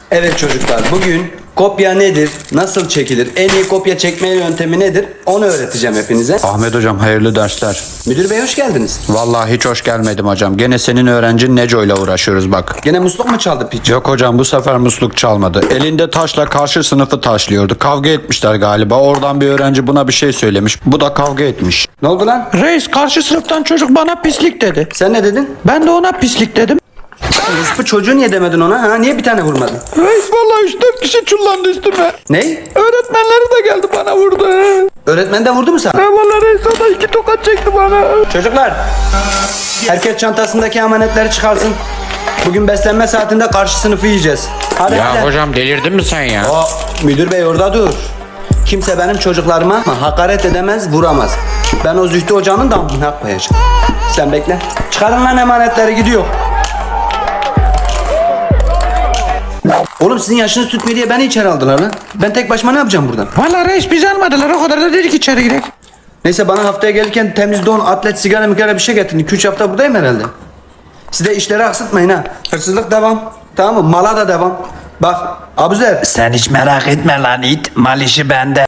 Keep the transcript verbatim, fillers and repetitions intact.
Evet çocuklar, bugün kopya nedir, nasıl çekilir, en iyi kopya çekme yöntemi nedir onu öğreteceğim hepinize. Ahmet hocam hayırlı dersler. Müdür bey hoş geldiniz. Vallahi hiç hoş gelmedim hocam. Gene senin öğrencin Neco ile uğraşıyoruz bak. Gene musluk mu çaldı piç? Yok hocam bu sefer musluk çalmadı. Elinde taşla karşı sınıfı taşlıyordu. Kavga etmişler galiba. Oradan bir öğrenci buna bir şey söylemiş. Bu da kavga etmiş. Ne oldu lan? Reis karşı sınıftan çocuk bana pislik dedi. Sen ne dedin? Ben de ona pislik dedim. Bu çocuğu niye demedin ona? Ha? Niye bir tane vurmadın? Reis vallahi üç dört kişi çullandı üstüme. Ney? Öğretmenleri de geldi bana vurdu. Öğretmen de vurdu mu sana? Ben vallahi reis o da iki tokat çekti bana. Çocuklar, herkes çantasındaki amanetleri çıkarsın. Bugün beslenme saatinde karşı sınıfı yiyeceğiz. Hadi hadi. Ya hocam delirdin mi sen ya? O, müdür bey orada dur. Kimse benim çocuklarıma hakaret edemez, vuramaz. Ben o Zühtü hocanın damına koyacağım. Sen bekle. Çıkarın lan emanetleri, gidiyor. Oğlum sizin yaşınız tutmuyor diye beni içeri aldılar lan. Ben tek başıma ne yapacağım buradan? Vallahi reis bizi almadılar o kadar da dedik içeri girek. Neyse bana haftaya gelirken temiz don, atlet, sigara migara bir şey getirin. iki üç hafta buradayım herhalde. Siz de işleri aksatmayın ha. Hırsızlık devam. Tamam mı? Mala da devam. Bak Abuzer. Sen hiç merak etme lan it. Mal işi bende.